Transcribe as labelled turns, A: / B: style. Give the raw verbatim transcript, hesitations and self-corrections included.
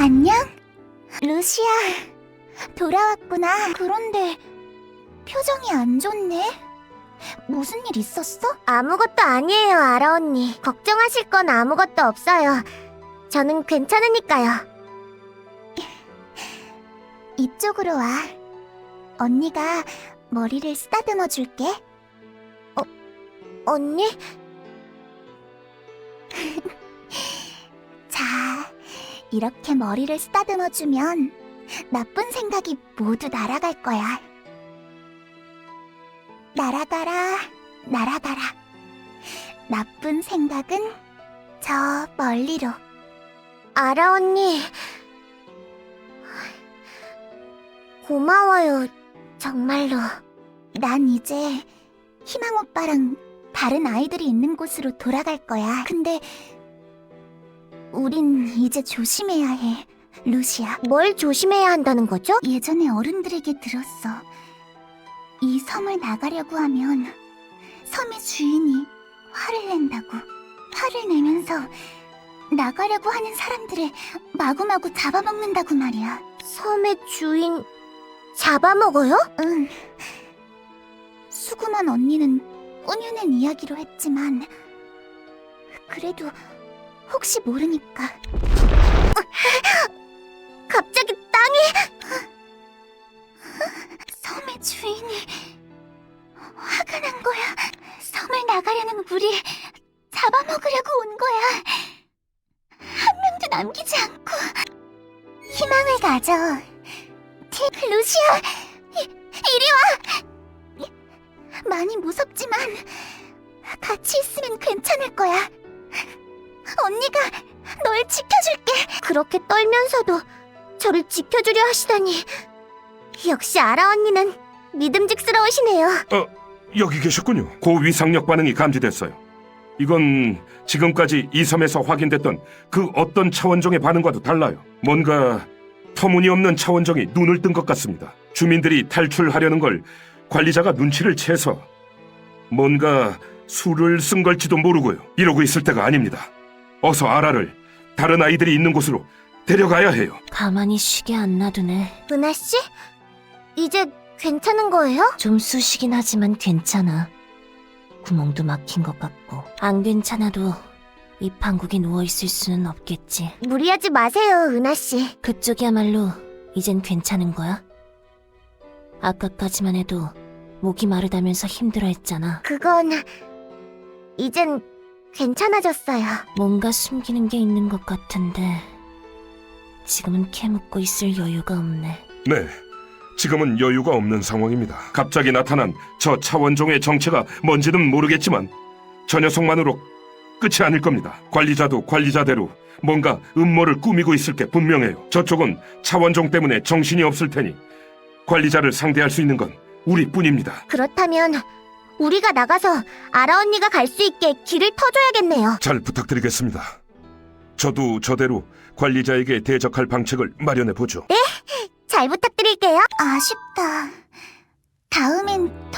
A: 안녕? 루시아, 돌아왔구나. 그런데 표정이 안 좋네. 무슨 일 있었어?
B: 아무것도 아니에요, 아라 언니. 걱정하실 건 아무것도 없어요. 저는 괜찮으니까요.
A: 이쪽으로 와. 언니가 머리를 쓰다듬어 줄게.
B: 어, 언니?
A: 자, 이렇게 머리를 쓰다듬어 주면 나쁜 생각이 모두 날아갈 거야. 날아가라, 날아가라. 나쁜 생각은 저 멀리로.
B: 아라 언니. 고마워요, 정말로.
A: 난 이제 희망 오빠랑 다른 아이들이 있는 곳으로 돌아갈 거야. 근데 우린 이제 조심해야 해, 루시아.
B: 뭘 조심해야 한다는 거죠?
A: 예전에 어른들에게 들었어. 이 섬을 나가려고 하면 섬의 주인이 화를 낸다고. 화를 내면서 나가려고 하는 사람들을 마구마구 잡아먹는다고 말이야.
B: 섬의 주인 잡아먹어요?
A: 응. 수구만 언니는 꾸며낸 이야기로 했지만 그래도 혹시 모르니까.
B: 갑자기 땅이...
A: 섬의 주인이 화가 난 거야. 섬을 나가려는 우리 잡아먹으려고 온 거야. 한 명도 남기지 않고. 희망을 가져. 티, 루시아, 이, 이리 와. 많이 무섭지만 같이 있으면 괜찮을 거야. 언니가 널 지켜줄게.
B: 그렇게 떨면서도 저를 지켜주려 하시다니. 역시 아라 언니는 믿음직스러우시네요.
C: 어, 여기 계셨군요. 고위상력 반응이 감지됐어요. 이건 지금까지 이 섬에서 확인됐던 그 어떤 차원종의 반응과도 달라요. 뭔가 터무니없는 차원종이 눈을 뜬 것 같습니다. 주민들이 탈출하려는 걸 관리자가 눈치를 채서 뭔가 수를 쓴 걸지도 모르고요. 이러고 있을 때가 아닙니다. 어서 아라를 다른 아이들이 있는 곳으로 데려가야 해요.
D: 가만히 쉬게 안 놔두네.
B: 은하씨? 이제 괜찮은 거예요?
D: 좀 쑤시긴 하지만 괜찮아. 구멍도 막힌 것 같고. 안 괜찮아도 이 판국에 누워있을 수는 없겠지.
B: 무리하지 마세요, 은하씨.
D: 그쪽이야말로 이젠 괜찮은 거야? 아까까지만 해도 목이 마르다면서 힘들어했잖아.
B: 그건... 이젠 괜찮아졌어요.
D: 뭔가 숨기는 게 있는 것 같은데 지금은 캐묻고 있을 여유가 없네.
C: 네, 지금은 여유가 없는 상황입니다. 갑자기 나타난 저 차원종의 정체가 뭔지는 모르겠지만 저 녀석만으로 끝이 아닐 겁니다. 관리자도 관리자대로 뭔가 음모를 꾸미고 있을 게 분명해요. 저쪽은 차원종 때문에 정신이 없을 테니 관리자를 상대할 수 있는 건 우리뿐입니다.
B: 그렇다면 우리가 나가서 아라 언니가 갈 수 있게 길을 터줘야겠네요.
C: 잘 부탁드리겠습니다. 저도 저대로 관리자에게 대적할 방책을 마련해 보죠.
B: 잘 부탁드릴게요.
A: 아쉽다. 다음엔 더